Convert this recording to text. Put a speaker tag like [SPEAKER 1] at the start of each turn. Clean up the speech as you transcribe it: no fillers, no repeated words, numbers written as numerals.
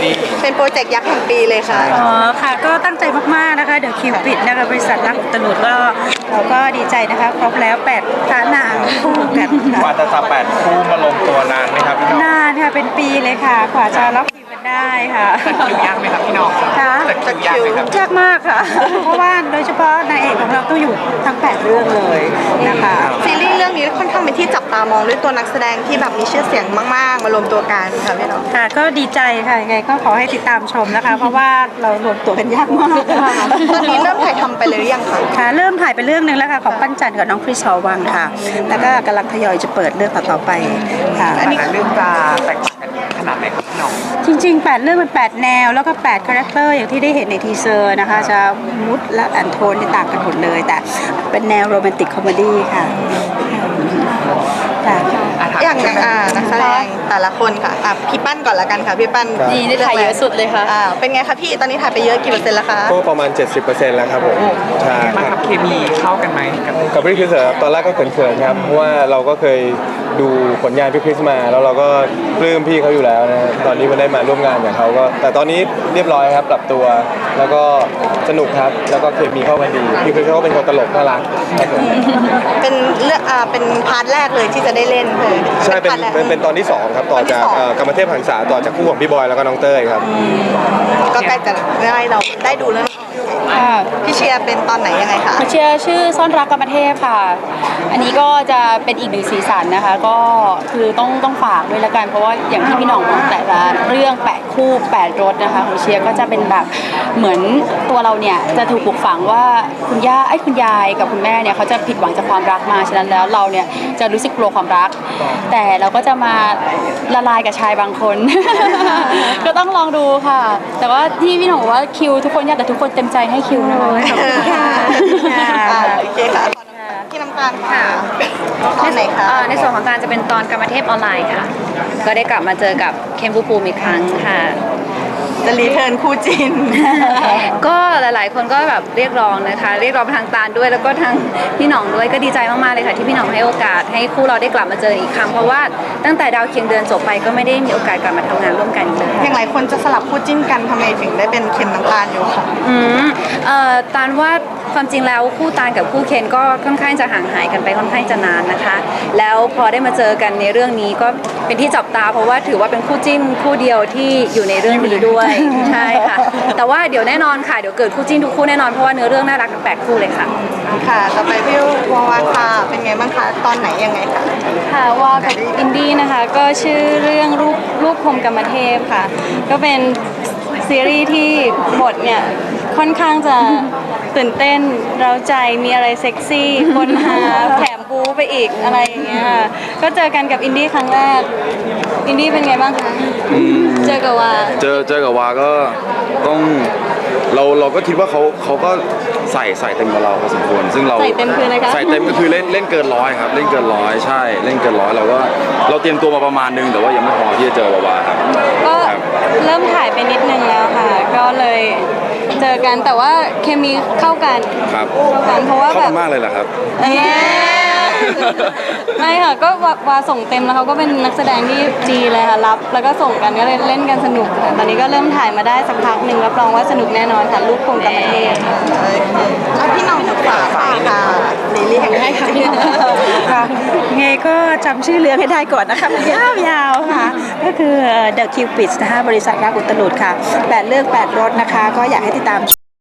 [SPEAKER 1] ลี่
[SPEAKER 2] เป็นโปรเจกต์ยักษ์แห่งปีเลยค่ะ
[SPEAKER 3] อ๋อค่ะก็ตั้งใจมากๆนะคะเดี๋ยวคิวปิดนะคะบริษัทรักอุตลุดก็เราก็ดีใจนะคะครบแล้ว8พระนางคู่กันค่ะ
[SPEAKER 1] กว่าจะ8คู่มาลงตัวนานไหมครับพี่น้อง
[SPEAKER 3] นานค่ะเป็นปีเลยค่ะกว่าจะล็อกคิวกันได้ค่ะ
[SPEAKER 1] จัดคิวยากไหมครับพี่น้อง
[SPEAKER 3] ค่ะ
[SPEAKER 1] จัดคิวยากไหมครับ
[SPEAKER 3] ยากมากค่ะเพราะว่าโดยเฉพาะนางเอกของเราต้องอยู่ทั้ง8เรื่องเลยนะคะ
[SPEAKER 2] ซีรีส์เรื่องนี้ค่อนข้างเป็นที่จับตามองด้วยตัวนักแสดงที่แบบมีชื่อเสียงมากๆมารวมตัวกันค่ะพี่น้อง
[SPEAKER 3] ค่ะก็ดีใจค่ะยังไงก็ขอให้ติดตามชมนะคะ เพราะว่าเรารวมตัวกันยากมาก
[SPEAKER 2] ตอนนี้เริ่มถ่ายทำไปเลยหรือยังคะ
[SPEAKER 3] ค่ะเริ่มถ่ายไปเรื่องนึงแล้วค่ะของปั้นจันทร์กับน้องคริสหอวังค่ะแล้วก็กำลังทยอยจะเปิดเรื่องต่อไปค่ะ
[SPEAKER 1] อันนี้เรื่องจะแตกต่างกันขนาดไหนครับพี่น้อง
[SPEAKER 3] จริงๆ8เรื่องเป็น8แนวแล้วก็8คาแรคเตอร์อย่างที่ได้เห็นในทีเซอร์นะคะจะมูดและแอนโทนที่ต่างกันหมดเลยแต่เป็นแนวโรแมนติกคอมเมดี้ค่ะ
[SPEAKER 2] อย่างนักแสดงแต่ละคนค่ะพี่ปั้นก่อนละกันค่ะพี่ปั้น
[SPEAKER 4] ดีได้ถ่ายเยอะสุดเลยค่ะ
[SPEAKER 2] เป็นไงคะพี่ตอนนี้ถ่ายไปเยอะกี่เปอร์เซ็นต์แล้วคะ
[SPEAKER 5] ก็ประมาณ 70%แล้วครับผมใช่
[SPEAKER 1] ครับเคมีเข้ากันไหม
[SPEAKER 5] กับพี่คริสตอนแรกก็เขินๆครับเพราะว่าเราก็เคยดูผลงานพี่คริสมาแล้วเราก็ปลื้มพี่เขาอยู่แล้วนะตอนนี้มันได้มาร่วมงานกับเขาก็แต่ตอนนี้เรียบร้อยครับปรับตัวแล้วก็สนุกครับแล้วก็เคมีเข้ากันดีพี่คริสเขาเป็นคนตลกน่ารักครับผม
[SPEAKER 2] เป็นเรื่องเป็นพาร์ทแรกเลยที่จะได้เล่นเลย
[SPEAKER 5] ใช่เป็นตอนที่2ครับต่อจากกรรมเทพหังษาต่อจากคู่ของพี่บอยแล้วก็น้องเต้ยครับ
[SPEAKER 2] ก็ใกล้จะได้เราได้ดูแล้วพี่เชียร์เป็นตอนไหนยังไงคะ
[SPEAKER 4] พี่เชียร์ชื่อซ่อนรักกรรมเทพค่ะอันนี้ก็จะเป็นอีกหนึ่งสีสันนะคะก็คือต้องฝากด้วยละกันเพราะว่าอย่างที่พี่หน่องบอกแต่ละเรื่อง8คู่8รสนะคะของเชียร์ก็จะเป็นแบบเหมือนตัวเราเนี่ยจะถูกปลูกฝังว่าคุณยายกับคุณแม่เนี่ยเขาจะผิดหวังจากความรักมาฉะนั้นแล้วเราเนี่ยจะรู้สึกกลัวความรักแต่เราก็จะมาละลายกับชายบางคน ก็ต้องลองดูค่ะแต่ว่าที่พี่หน่องบอกว่าคิวทุกคนยากแต่ทุกคนเต็มใจให้คิวนะคะ
[SPEAKER 2] โอเคค่ะพี่น้ำตาลค่ะตอนไหนคะ
[SPEAKER 4] ในส่วนของการจะเป็นตอนกรรมเทพออนไลน์ค่ะก็ได้กลับมาเจอกับเคนภูมิอีกครั้งค่ะ
[SPEAKER 2] จะรีเทิร์นคู่จิน
[SPEAKER 4] ก็หลายๆคนก็แบบเรียกร้องนะคะเรียกร้องทางตาลด้วยแล้วก็ทางพี่หน่องด้วยก็ดีใจมากๆเลยค่ะที่พี่หน่องให้โอกาสให้คู่เราได้กลับมาเจออีกครั้งเพราะว่าตั้งแต่ดาวเคียงเดือนจบไปก็ไม่ได้มีโอกาสกลับมาทำงานร่วมกันอีกเลย
[SPEAKER 2] อย่างหลายคนจะสลับคู่จิ้นกันทำไมถึงได้เป็นเคนน้ำตาลอยู่ค่ะ
[SPEAKER 4] ตาลว่าความจริงแล้วคู่ตาลกับคู่เคนก็ค่อนข้างจะห่างหายกันไปค่อนข้างจะนานนะคะแล้วพอได้มาเจอกันในเรื่องนี้ก็เป็นที่จับตาเพราะว่าถือว่าเป็นคู่จิ้นคู่เดียวที่อยู่ในเรื่องนี้ด้วยใช่ค่ะแต่ว่าเดี๋ยวแน่นอนค่ะเดี๋ยวเกิดคู่จิ้นทุกคู่แน่นอนเพราะว่าเนื้อเรื่องน่ารักทั้ง8คู่เลยค่ะ
[SPEAKER 2] ค่ะต่อไปพี่วาวาค่ะเป็นไงบ้างคะตอนไหนยังไงคะ
[SPEAKER 6] ค่ะว่ากับอินดี้นะคะก็ชื่อเรื่องรูปพรหมกรรมเทพค่ะก็เป็นซีรีส์ที่บทเนี่ยค่อนข้างจะตื่นเต้นเร้าใจมีอะไรเซ็กซี่คนหาแถมบู๊ไปอีกอะไรอย่างเงี้ยค่ะก็เจอกันกับอินดี้ครั้งแรกอินดี้เป็นไงบ้างคะเจอกับวา
[SPEAKER 7] กับวาก็ต้องเราก็คิดว่าเขาก็ใส่เต็มกับเราพอสมควรซึ่งเรา
[SPEAKER 6] ใส่เต็มคืออะไรคะ
[SPEAKER 7] ใส่เต็มก็คือเล่นเกิน100ครับเล่นเกิน100ใช่เล่นเกิน100เราเตรียมตัวมาประมาณนึงแต่ว่ายังไม่พอที่จะเจอวาครับ
[SPEAKER 6] ก็เริ่มถ่ายไปนิดนึงแล้วค่ะก็เลยเจอกันแต่ว่าเคมีเข้ากัน
[SPEAKER 7] ครับ
[SPEAKER 6] เข้ากันเพราะว่าแบบ
[SPEAKER 7] มากเลยเหรอครับ
[SPEAKER 6] ไม่ค่ะก็วาส่งเต็มแล้วเขาก็เป็นนักแสดงที่ดีเลยค่ะรับแล้วก็ส่งกันก็เลยเล่นกันสนุกค่ะตอนนี้ก็เริ่มถ่ายมาได้สักพักหนึ่งรับรองว่าสนุกแน่นอนค่ะลูกคงกรรมเทพ
[SPEAKER 2] แล้วพี่น้องฝากค่ะลิลี่แห่งให้ค่ะ
[SPEAKER 3] ค่ะไงก็จำชื่อเรื่องให้ได้ก่อนนะคะยาวๆค่ะก็คือ The Cupid นะคะบริษัทรักอุตลุดค่ะ8เรื่อง8รสนะคะก็อยากให้ติดตาม